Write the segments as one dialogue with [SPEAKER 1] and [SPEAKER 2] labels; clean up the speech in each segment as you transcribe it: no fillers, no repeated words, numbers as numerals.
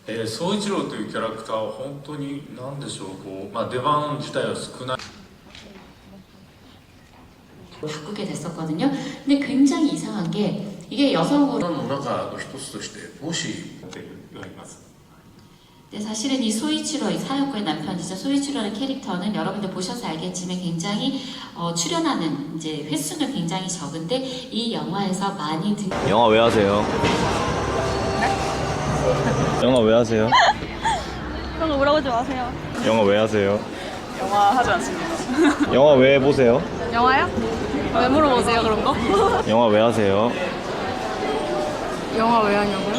[SPEAKER 1] 宗一郎というキャラクターは本当に何でしょう、出番自体は少ない
[SPEAKER 2] 바꾸게 됐었거든요. 근데 굉장히 이상한 게 이게 여성으로
[SPEAKER 1] の中の一つとしてもしやっています。
[SPEAKER 2] 근데 사실은 이 소이치로, 이 사역구의 남편이죠. 소이치로라는 캐릭터는 여러분들 보셔서 알겠지만 굉장히 출연하는 이제 횟수는 굉장히 적은데 이 영화에서 많이
[SPEAKER 3] 영화 왜 하세요? 영화 왜 하세요?
[SPEAKER 4] 그런 거 물어보지 마세요.
[SPEAKER 3] 영화 왜 하세요?
[SPEAKER 4] 영화 하지 않습니다.
[SPEAKER 3] 영화 왜 보세요?
[SPEAKER 4] 영화요? 왜 물어보세요 그런 거?
[SPEAKER 3] 영화 왜 하세요?
[SPEAKER 4] 영화 왜 하냐고요?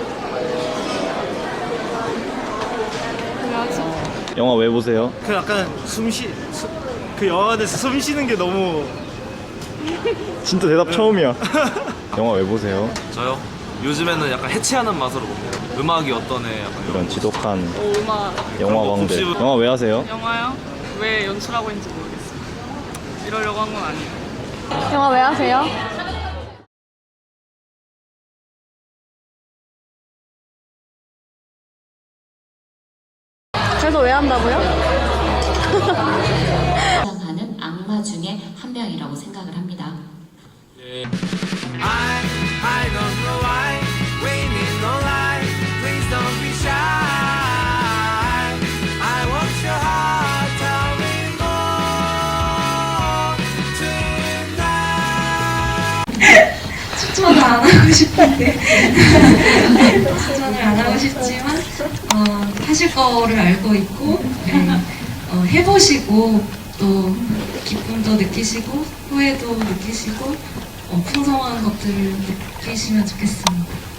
[SPEAKER 4] 왜 하지?
[SPEAKER 3] 영화 왜 보세요?
[SPEAKER 5] 그 약간 그 영화 안에서 숨 쉬는 게 너무
[SPEAKER 3] 진짜 대답 처음이야. 영화 왜 보세요?
[SPEAKER 6] 저요? 요즘에는 약간 해체하는 맛으로 봅니다. 음악이 어떠네 약간
[SPEAKER 3] 이런 지독한
[SPEAKER 4] 음악
[SPEAKER 3] 영화 광대. 영화 왜 하세요?
[SPEAKER 4] 영화요? 왜 연출하고 있는지 모르겠어요. 이러려고 한 건 아니에요. 영화 왜 하세요? 그래서 왜 한다고요?
[SPEAKER 2] 등장하는 악마 중에 한 명이라고 생각을 합니다.
[SPEAKER 7] I don't know why we need no lie. Please don't be shy. I want your heart. Tell me more tonight.
[SPEAKER 8] 추천을 안 하고 싶은데 추천을 안 하고 싶지만 하실 거를 알고 있고 해보시고 또 기쁨도 느끼시고 후회도 느끼시고 풍성한 것들을 느끼시면 좋겠습니다.